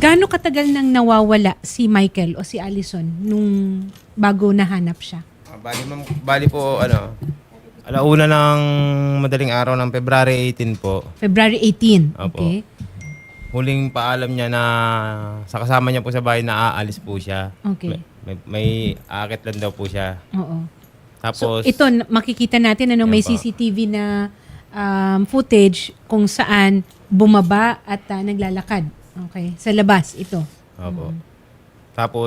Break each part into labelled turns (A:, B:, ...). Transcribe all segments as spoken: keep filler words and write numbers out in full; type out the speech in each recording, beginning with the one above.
A: Gaano katagal nang nawawala si Michael o si Allison nung bago nahanap siya?
B: Ah, bali, ma'am, bali po, ano, alauna ng madaling araw ng February eighteen po.
A: February eighteen.
B: Opo.
A: Okay.
B: Huling paalam niya na sa kasama niya po sa bahay na aalis po siya.
A: Okay.
B: May, may aakit lang daw po siya.
A: Oo.
B: Tapos,
A: So, ito, na- makikita natin ano, may
B: Yan po.
A: C C T V na um, footage kung saan bumaba at ah, naglalakad. Okay. Sa labas, ito.
B: opo. Tapos,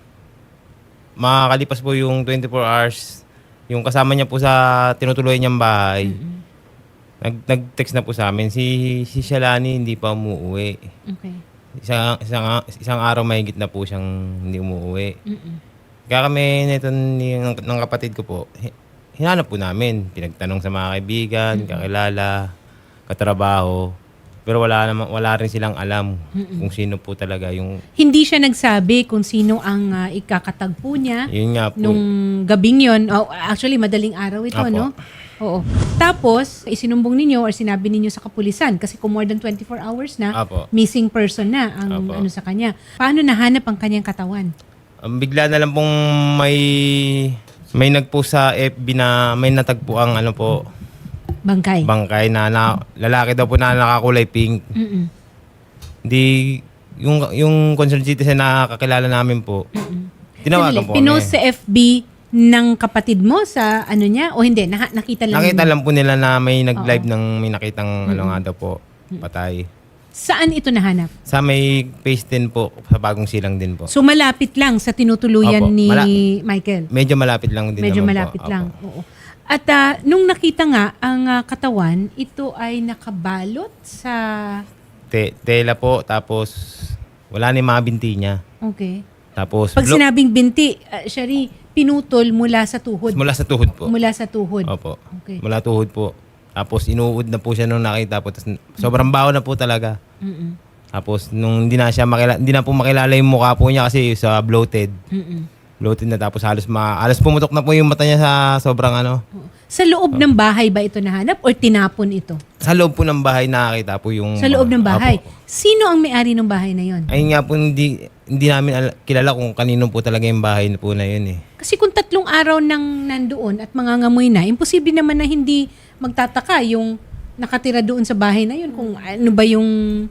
B: makakalipas po yung twenty-four hours, yung kasama niya po sa tinutuloy niyang bahay, nag, nag-text na po sa amin, si, si Shalani hindi pa umuwi.
A: Okay.
B: Isang, isang, isang araw mahigit na po siyang hindi umuwi.
A: Mm-mm.
B: Kaya kami nito ni, ng, ng kapatid ko po, hi- hinanap po namin. Pinagtanong sa mga kaibigan, kakilala, katrabaho. Pero wala naman, wala rin silang alam kung sino po talaga yung,
A: Hindi siya nagsabi kung sino ang ah, ikakatagpo niya
B: yun nga po.
A: nung gabing yon. Oh, actually, madaling araw ito,
B: Apo.
A: no? Oo. Tapos, isinumbong ninyo or sinabi ninyo sa kapulisan kasi kung more than twenty-four hours na,
B: Apo.
A: missing person na ang
B: Apo.
A: ano sa kanya. Paano nahanap ang kanyang katawan?
B: Ang bigla na lang pong may, may nagpost sa F B na may natagpo ang ano po,
A: Bangkay.
B: bangkay na, na lalaki daw po na nakakulay pink.
A: Mm-mm.
B: Di, yung, yung concerned citizen na kakilala namin po, tinawagan
A: Sandali,
B: po
A: pinost
B: kami.
A: sa F B ng kapatid mo sa ano niya? O hindi? Nah- nakita lang
B: Nakita
A: ninyo?
B: lang po nila na may nag-live ng may nakitang ano nga daw po, patay.
A: Saan ito nahanap?
B: Sa may phase ten po, sa bagong silang din po.
A: So malapit lang sa tinutuluyan
B: Opo,
A: ni
B: mala-
A: Michael?
B: Medyo malapit lang din
A: Medyo
B: naman
A: malapit
B: po.
A: lang.
B: Opo.
A: Oo. At ah, nung nakita nga ang ah, katawan, ito ay nakabalot sa...
B: Te- tela po, tapos wala ni mga binti niya.
A: Okay.
B: Tapos
A: Pag
B: blo-
A: sinabing binti, uh, Shari, pinutol mula sa tuhod.
B: mula sa tuhod po.
A: Mula sa tuhod.
B: Opo.
A: Okay.
B: Mula tuhod po. Tapos inuud na po siya nung nakita po. Tapos sobrang baho na po talaga.
A: Mm-mm.
B: Tapos nung hindi na siya makilala, hindi na po makilala yung mukha po niya kasi sa bloated.
A: Mm-mm.
B: Bloated na, tapos halos ma halos pumutok na po yung mata niya sa sobrang ano.
A: Oo. Sa loob ng bahay ba ito nahanap or tinapon ito?
B: Sa loob po ng bahay nakakita po yung...
A: Sa loob ng bahay.
B: Apo.
A: Sino ang may-ari ng bahay na yon?
B: Ayun nga po, hindi, hindi namin al- kilala kung kanino po talaga yung bahay po na yun eh.
A: Kasi kung tatlong araw nang nandoon at mangangamoy na, imposible naman na hindi magtataka yung nakatira doon sa bahay na yun kung ano ba yung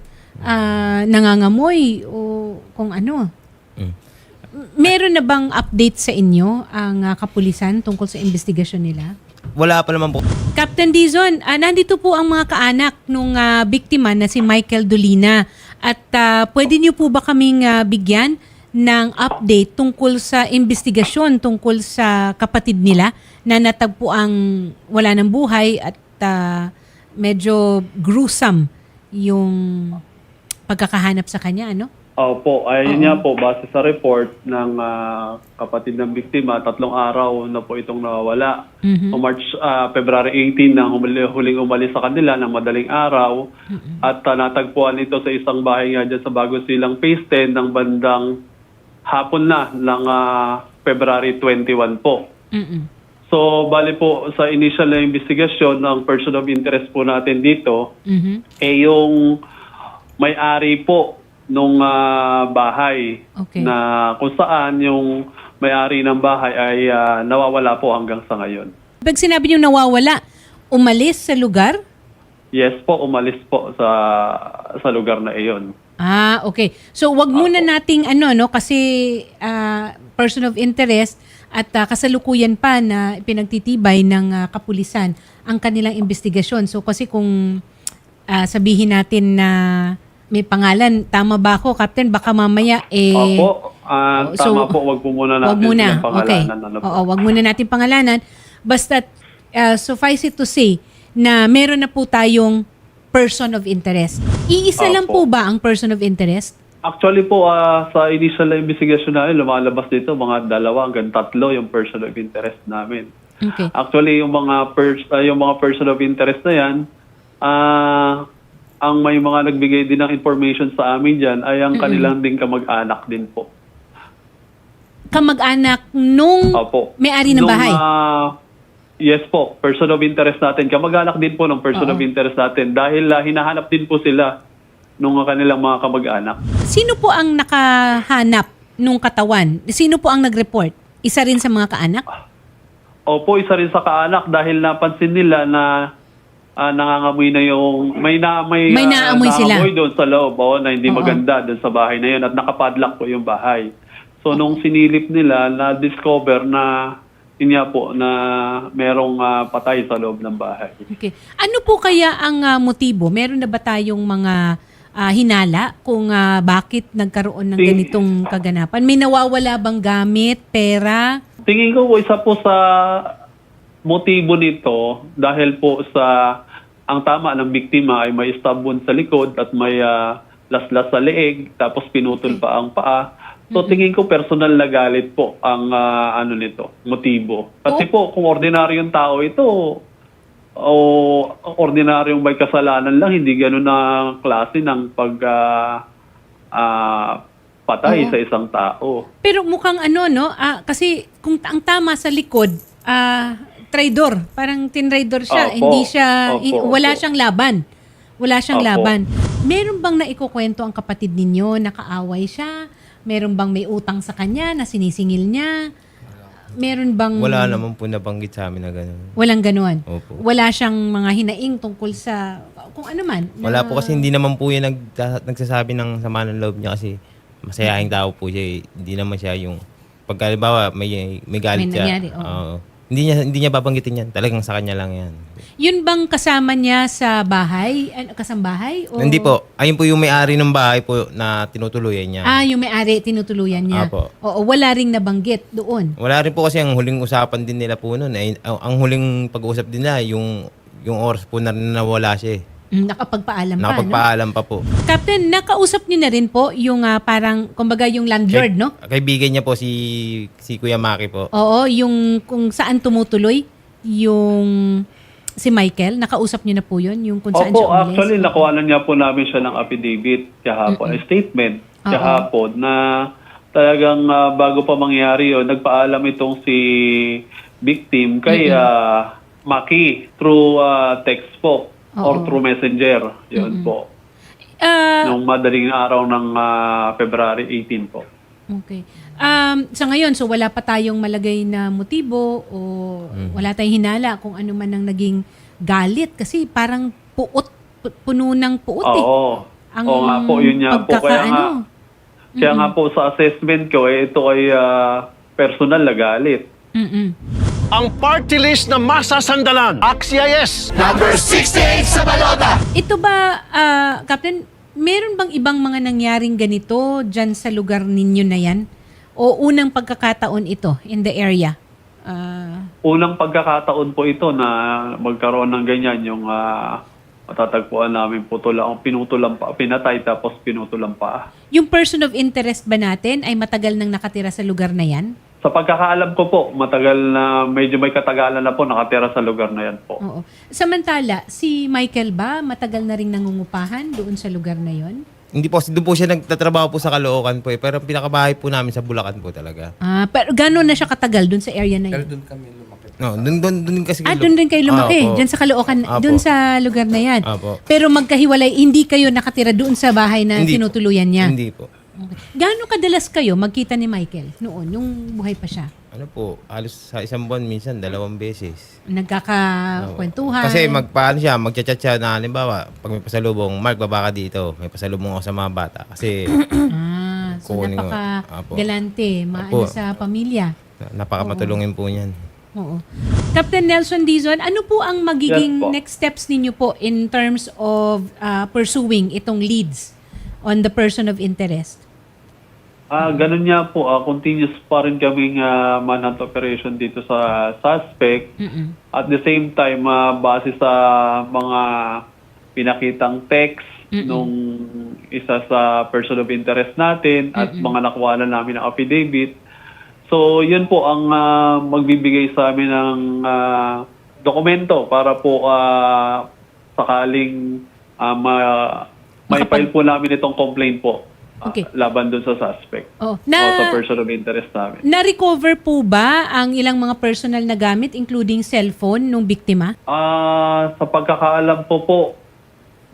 A: ah, nangangamoy o kung ano.
B: Mm.
A: Meron na bang update sa inyo ang ah, kapulisan tungkol sa investigasyon nila?
B: Wala pa naman po.
A: Captain Dizon, ah, nandito po ang mga kaanak nung ah, biktima na si Michael Dolina. At ah, pwede niyo po ba kaming ah, bigyan ng update tungkol sa investigasyon tungkol sa kapatid nila na natagpo ang wala ng buhay at ah, medyo gruesome yung pagkakahanap sa kanya, ano?
C: Opo, ayun nga po, base sa report ng ah, kapatid ng biktima, tatlong araw na po itong nawawala.
A: Mhm.
C: O March, ah, February eighteen nang humuli, huling umalis sa kanila ng madaling araw. At ah, natagpuan ito sa isang bahay nga dyan sa Bago Silang Phase ten ng bandang hapon na ng ah, February twenty-one po.
A: Mm-mm.
C: So, bali po sa initial na investigasyon, ang person of interest po natin dito,
A: Mhm.
C: eh yung may-ari po nung ah, bahay
A: Okay.
C: na kung saan yung may-ari ng bahay ay ah, nawawala po hanggang sa ngayon.
A: Pag sinabi niyo nawawala, umalis sa lugar?
C: Yes po, umalis po sa sa lugar na iyon.
A: Ah, okay. So wag muna nating ano no kasi ah, person of interest at ah, kasalukuyan pa na pinagtitibay ng ah, kapulisan ang kanilang investigasyon. So kasi kung ah, sabihin natin na may pangalan, tama ba ako, Captain? Baka mamaya eh
C: Opo, ah,
A: oh, so,
C: tama po, wag po muna natin
A: wag muna.
C: silang
A: Okay.
C: pangalanan. Ano po.
A: Oo, wag muna natin pangalanan. Basta uh, suffice it to say na meron na po tayong person of interest. Iisa lang po
C: Opo.
A: ba ang person of interest?
C: Actually po, ah, sa initial na investigation namin, lumalabas dito mga dalawa hanggang tatlo yung person of interest namin.
A: Okay.
C: Actually, yung mga pers- ah, yung mga person of interest na yan, ah, ang may mga nagbigay din ng information sa amin dyan ay ang kanilang din kamag-anak din po.
A: Kamag-anak nung
C: Opo.
A: may-ari ng
C: Nung,
A: bahay?
C: ah, yes po, person of interest natin. Kamag-anak din po ng person
A: Oo.
C: of interest natin dahil ah, hinahanap din po sila nung kanilang mga kamag-anak.
A: Sino po ang nakahanap nung katawan? Sino po ang nag-report? Isa rin sa mga kaanak?
C: Opo, isa rin sa kaanak dahil napansin nila na ah, nangangamoy na yung may na may,
A: May
C: ah,
A: naamoy sila.
C: naamoy doon sa loob, oh, na hindi
A: Oo.
C: maganda doon sa bahay na yun at nakapadlock po yung bahay. So nung sinilip nila, na-discover na yun nga po na merong ah, patay sa loob ng bahay.
A: Okay. Ano po kaya ang ah, motibo? Meron na ba tayong mga ah, hinala kung ah, bakit nagkaroon ng
C: Ting-
A: ganitong kaganapan? May nawawala bang gamit, pera?
C: Tingin ko po isa po sa motibo nito dahil po sa ang tama ng biktima ay may stab wound sa likod at may ah, laslas sa leeg tapos pinutol pa ang paa. So tingin ko personal na galit po ang ah, ano nito, motibo. Kasi po kung ordinaryong tao ito o ordinaryong may kasalanan lang, hindi gano'n na klase ng pag ah, ah, patay
A: Oo.
C: sa isang tao.
A: Pero mukhang ano, no? Ah, kasi kung ta- ang tama sa likod, ah, traidor. Parang tinraidor siya.
C: Opo.
A: Hindi siya,
C: Opo,
A: i- wala
C: opo.
A: siyang laban. Wala siyang
C: Opo.
A: laban. Meron bang naikukwento ang kapatid ninyo? Nakaaway siya? Meron bang may utang sa kanya na sinisingil niya? Meron bang...
B: Wala naman po nabanggit sa amin na gano'n.
A: Walang ganon.
B: Opo.
A: Wala siyang mga hinaing tungkol sa kung ano man. na-
B: Wala po kasi hindi naman po yan nagta- nagsasabi ng sama ng loob niya kasi masayahing tao po siya eh. Hindi naman siya yung pagka halimbawa may may galit
A: May
B: siya.
A: nangyari, oo.
B: Oo. Hindi niya hindi niya babanggitin yan. Talagang sa kanya lang yan.
A: Yun bang kasama niya sa bahay? Ano, kasambahay? O...
B: Hindi po. Ayun po yung may-ari ng bahay po na tinutuluyan niya.
A: Ah, yung may-ari, tinutuluyan niya.
B: Apo.
A: Oo, wala ring nabanggit doon.
B: Wala rin po kasi ang huling usapan din nila po noon. Ay, ang, ang huling pag-uusap din nila yung yung oras po na nawala siya eh.
A: Mm, nakapagpaalam pa, no?
B: Nakapagpaalam pa po.
A: Captain, nakausap niyo na rin po yung ah, parang, kumbaga yung landlord,
B: Kay-
A: no?
B: Kaibigan niya po si si Kuya Maki po.
A: Oo, yung kung saan tumutuloy yung si Michael. Nakausap niyo na po yun, yung kung saan
C: Opo,
A: siya umalis.
C: actually, nakuha niya po namin siya ng affidavit kahapon, a statement
A: Oo.
C: kahapon na talagang ah, bago pa mangyari yun, nagpaalam itong si victim kay ah, Maki through ah, text po or
A: Oo.
C: through messenger. Yun po.
A: Ah,
C: Nung madaling araw ng ah, February eighteen po.
A: okay. Um, sa ngayon, so wala pa tayong malagay na motibo o wala tayong hinala kung ano man ang naging galit kasi parang puot, pu- puno ng puot eh.
C: Oo.
A: Ang
C: Oo nga po, yun nga po. Kaya nga,
A: pagkakaano.
C: kaya nga po sa assessment ko, eh, ito ay ah, personal na galit.
A: Mm-mm.
D: Ang party list na masasandalan. Axies!
A: Ito ba, ah, Captain, meron bang ibang mga nangyaring ganito dyan sa lugar ninyo na yan? O unang pagkakataon ito in the area? Ah,
C: Unang pagkakataon po ito na magkaroon ng ganyan yung ah, matatagpuan namin putulang, pinutulang pa, pinatay tapos pinutulang pa.
A: yung person of interest ba natin ay matagal nang nakatira sa lugar na yan?
C: Sa pagkakaalam ko po, matagal na, medyo may katagalan na po nakatira sa lugar na yan po.
A: Oo. Samantala, si Michael ba matagal na rin nangungupahan doon sa lugar na yon?
B: Hindi po, doon po siya nagtatrabaho po sa Caloocan po eh. Pero ang pinakabahay po namin sa Bulacan po talaga.
A: Ah, pero gano'n na siya katagal doon sa area na yun?
B: No, doon doon doon kasi
A: Ah, doon rin kayo lumaki.
B: Ah, opo.
A: Diyan sa Caloocan,
B: Apo.
A: doon sa lugar na yan.
B: Apo.
A: Pero magkahiwalay, hindi kayo nakatira doon sa bahay na
B: Hindi po.
A: tinutuluyan niya?
B: Hindi po.
A: Okay. Gaano kadalas kayo magkita ni Michael noon, yung buhay pa siya?
B: Ano po, halos sa isang buwan minsan dalawang beses.
A: Nagkakakwentuhan?
B: Kasi magpaano siya, magchat-chat siya na halimbawa, pag may pasalubong, Mark, baba ka dito. May pasalubong ako sa mga bata. Kasi
A: Ah, so
B: Kukunin ko.
A: napaka-galante, maano
B: Apo.
A: sa pamilya.
B: napakamatulungin po niyan.
A: Oo. Captain Nelson Dizon, ano po ang magiging
C: Yes po.
A: next steps ninyo po in terms of uh, pursuing itong leads on the person of interest?
C: Ah, ganun niya po, ah, continuous pa rin kaming ah, manhunt operation dito sa suspect.
A: Mm-mm.
C: At the same time, ah, base sa mga pinakitang text nung isa sa person of interest natin at mga nakuha na namin ng affidavit. So, yun po ang ah, magbibigay sa amin ng ah, dokumento para po ah, sakaling ah, ma- may
A: Makapag-
C: file po namin itong complaint po ah,
A: Okay.
C: laban dun sa suspect
A: Oh,
C: o sa
A: na
C: person of interest namin.
A: na-recover po ba ang ilang mga personal na gamit including cellphone nung biktima?
C: Ah, sa pagkakaalam po po,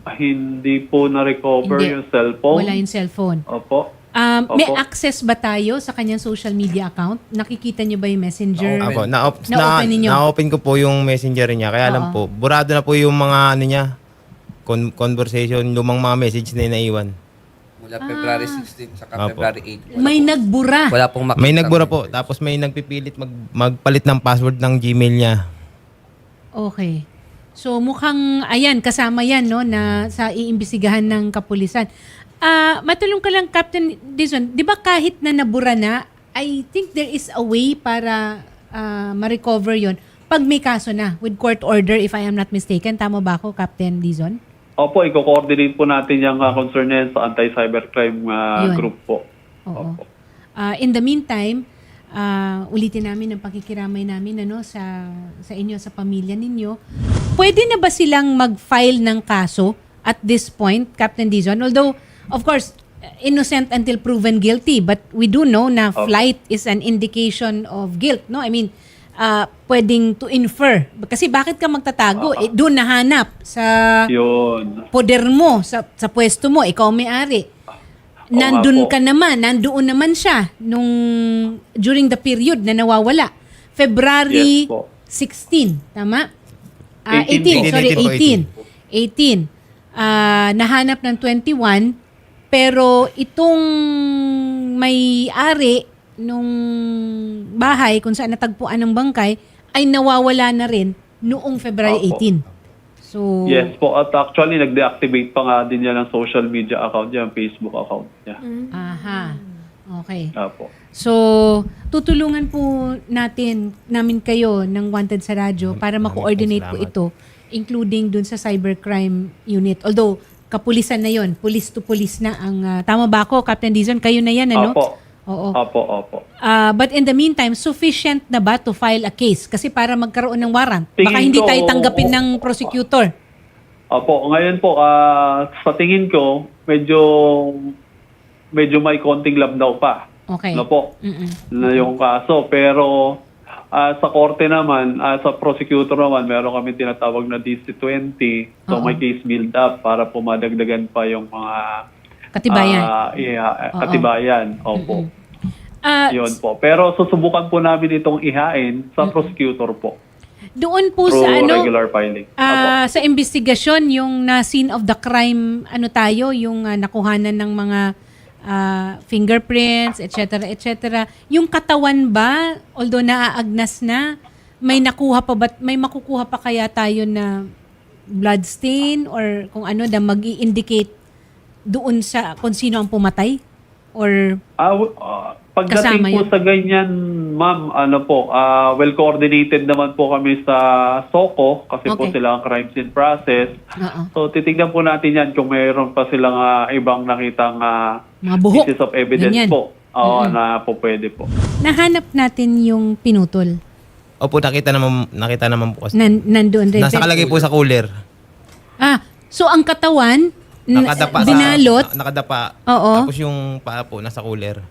C: Hindi po na-recover
A: Hindi.
C: yung cellphone.
A: Wala yung cellphone.
C: Opo.
A: Um, may
C: Opo.
A: access ba tayo sa kanyang social media account? Nakikita niyo ba yung messenger?
B: Apo, na-op- na,
A: Na-open ninyo?
B: na-open ko po yung messenger niya. Kaya lang
A: Oo.
B: po, burado na po yung mga ano niya, con- conversation, lumang mga message na naiwan.
E: Mula February sixteen saka
B: Opo.
E: February eight. Wala,
A: May nagbura.
E: wala pong makita.
B: May nagbura po, tapos may nagpipilit mag, magpalit ng password ng Gmail niya.
A: Okay. So mukhang, ayan, kasama yan, no, na sa iimbestigahan ng kapulisan. Ah, matulong ka lang, Captain Dizon, di ba kahit na nabura na, I think there is a way para ah, ma-recover yon pag may kaso na with court order, if I am not mistaken. Tama ba ako, Captain Dizon?
C: Opo, i-coordinate po natin yung uh, concern na yan sa anti-cybercrime uh,
A: Yun.
C: group po.
A: Oo.
C: Opo.
A: Ah, in the meantime, ah, ulitin namin ang pakikiramay namin ano, sa, sa inyo, sa pamilya ninyo. Pwede na ba silang mag-file ng kaso at this point, Captain Dizon? Although, of course, innocent until proven guilty, but we do know na
C: Okay.
A: flight is an indication of guilt, no? I mean, ah, pwedeng to infer. Kasi bakit ka magtatago? Eh, doon nahanap sa
C: Yun.
A: poder mo, sa, sa pwesto mo, ikaw may-ari.
C: Oo
A: Nandun
C: nga po.
A: ka naman, nandoon naman siya nung during the period na nawawala. February
C: Yes po.
A: sixteen, tama? Ah,
C: eighteen
A: eighteen,
C: po.
A: sorry,
B: eighteen po,
A: eighteen. eighteen. Ah, nahanap ng twenty-one, pero itong may-ari nung bahay kung saan natagpuan ng bangkay ay nawawala na rin noong February
C: Opo.
A: eighteen. So,
C: Yes po. At actually, nag-deactivate pa nga din niya ng social media account niya, Facebook account niya.
A: aha. Okay.
C: Opo.
A: So, tutulungan po natin, namin kayo ng Wanted sa Radyo para
B: Maraming
A: ma-coordinate po
B: salamat.
A: ito, including dun sa cybercrime unit. Although, kapulisan na yon, police to police na ang, ah, tama ba ako, Captain Dizon? Kayo na yan, ano?
C: Opo.
A: Oo.
C: Opo, opo.
A: Ah, but in the meantime, sufficient na ba to file a case? Kasi para magkaroon ng warrant, baka
C: Tingin
A: hindi
C: ko,
A: tayo tanggapin
C: oo.
A: ng prosecutor.
C: Opo, ngayon po, ah, sa tingin ko, medyo medyo may konting labdaw pa.
A: Okay.
C: Ano po?
A: Mm-mm.
C: Na yung kaso. Pero ah, sa korte naman, ah, sa prosecutor naman, meron kami tinatawag na D C twenty. So
A: Oo.
C: may case build up para pumadagdagan pa yung mga
A: Katibayan.
C: ah, yeah,
A: Oo.
C: katibayan. Opo.
A: Ah,
C: Yun po. Pero susubukan po namin itong ihain sa prosecutor po.
A: doon po
C: Through
A: sa ano,
C: regular filing. Opo.
A: Ah, sa investigasyon, yung na scene of the crime, ano tayo, yung ah, nakuhanan ng mga ah, fingerprints, et cetera, et cetera. Yung katawan ba, although naaagnas na, may nakuha pa ba, may makukuha pa kaya tayo na blood stain or kung ano na mag-i-indicate doon sa kung sino ang pumatay? Or
C: Ah, w- ah,
A: Kasama
C: pagdating po
A: yun.
C: sa ganyan, ma'am, ano po, ah, well coordinated naman po kami sa SOCO kasi po
A: Okay.
C: sila ang crime scene process.
A: Oo.
C: So titignan po natin yan kung mayroon pa silang ah, ibang nakitang ah,
A: Mga buhok.
C: pieces of evidence
A: Ganyan.
C: po. Oo, na po pwede po.
A: Nahanap natin yung pinutol.
B: Opo, nakita naman, nakita naman po kasi.
A: Nan, nandoon rin.
B: Nasa kalagay po sa cooler.
A: Ah, so ang katawan, n-
B: Nakadapa
A: binalot,
B: sa, nakadapa.
A: Oo.
B: Tapos yung paa po nasa cooler.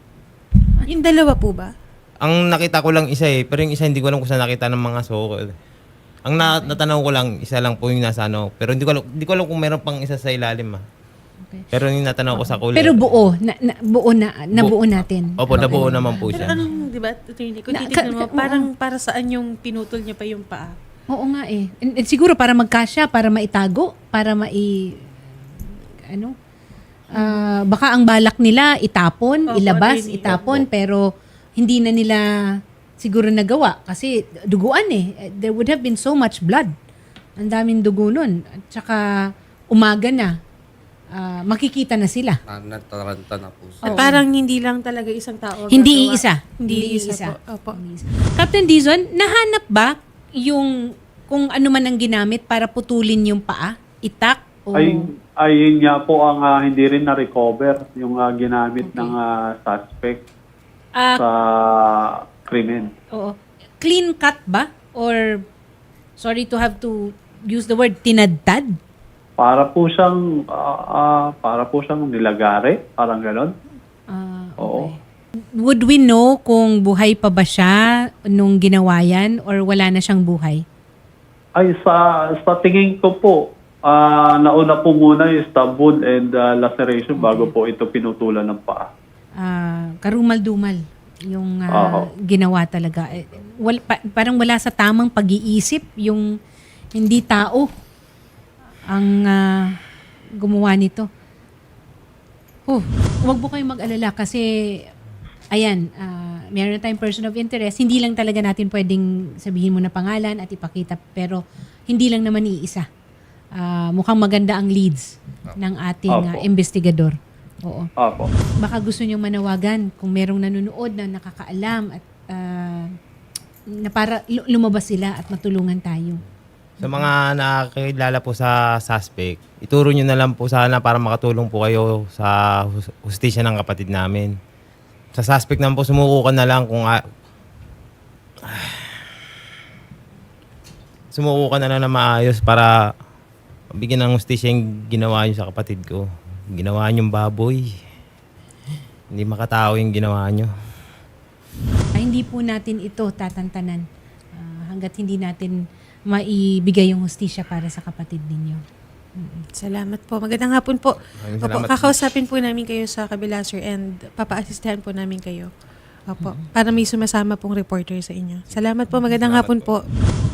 F: Yung dalawa po ba?
B: Ang nakita ko lang isa eh, pero yung isa hindi ko alam kung saan nakita ng mga soko. Ang na, natanaw ko lang, isa lang po yung nasa ano. Pero hindi ko alam, hindi ko alam kung meron pang isa sa ilalim ah.
A: Okay.
B: Pero yung natanaw ko sa cooler.
A: Pero buo, na, na, buo na, nabuo natin.
B: Opo, nabuo naman po
F: Pero
B: siya.
F: anong, di ba, attorney, kung
A: Na-
F: titignan
A: ka-
F: mo,
A: ka-
F: parang para saan yung pinutol niya pa yung paa?
A: Oo nga eh. And, and siguro para magkasya, para maitago, para mai... Ano? Ah, baka ang balak nila itapon,
F: Opo,
A: ilabas,
F: attorney.
A: itapon, pero hindi na nila siguro nagawa kasi duguan eh. There would have been so much blood. Ang daming dugo nun. At saka umaga na, ah, makikita na sila.
E: Na, nataranta na po
F: At
E: siya.
F: parang hindi lang talaga isang tao. ang
A: Hindi
F: gagawa.
A: isa.
F: Hindi,
A: Hindi
F: isa,
A: isa.
F: po. Opo.
A: Captain Dizon, nahanap ba yung kung ano man ang ginamit para putulin yung paa? Itak? O...
C: Ay, ayun nga po ang ah, hindi rin na-recover yung ah, ginamit
A: Okay.
C: ng ah, suspect
A: Ah,
C: sa krimen.
A: oo. Clean cut ba? Or, sorry to have to use the word, tinadtad?
C: Para po siyang ah, ah, para po siyang nilagare, parang gano'n.
A: Ah,
C: Oo.
A: Would we know kung buhay pa ba siya nung ginawa yan or wala na siyang buhay?
C: Ay, sa, sa tingin ko po, Ah, nauna po muna yung stab wound and ah, laceration bago po ito pinutulan ng paa.
A: Ah, karumal-dumal yung ah,
C: Oo.
A: ginawa talaga. Eh, wal, pa- parang wala sa tamang pag-iisip yung hindi tao ang ah, gumawa nito. Oh, wag po kayong mag-alala kasi ayan, ah, meron na tayong person of interest. Hindi lang talaga natin pwedeng sabihin mo na pangalan at ipakita pero hindi lang naman iisa. Ah, mukhang maganda ang leads ng ating ah,
C: Opo.
A: investigador. Oo.
C: Apo.
A: Baka gusto niyong manawagan kung merong nanonood na nakakaalam at ah, na para lu- lumabas sila at matulungan tayo.
B: Sa mga nakakilala po sa suspect, ituro nyo na lang po sana para makatulong po kayo sa hus- hustisya ng kapatid namin. Sa suspect naman po, sumuko ka na lang kung... a- sumuko ka na lang na maayos para bigyan ng hustisya yung ginawa nyo sa kapatid ko. Ginawa nyo yung baboy. Hindi makatao yung ginawa nyo.
A: Ay, hindi po natin ito tatantanan ah, hanggat hindi natin maibigay yung hustisya para sa kapatid ninyo.
F: Salamat po. Magandang hapon po.
B: Maraming
F: Opo,
B: salamat.
F: kakausapin po namin kayo sa kabila, sir, and papa-assistahan po namin kayo. Opo, para may sumasama pong reporter sa inyo. Salamat po. Magandang
B: Salamat
F: hapon
B: po.
F: po.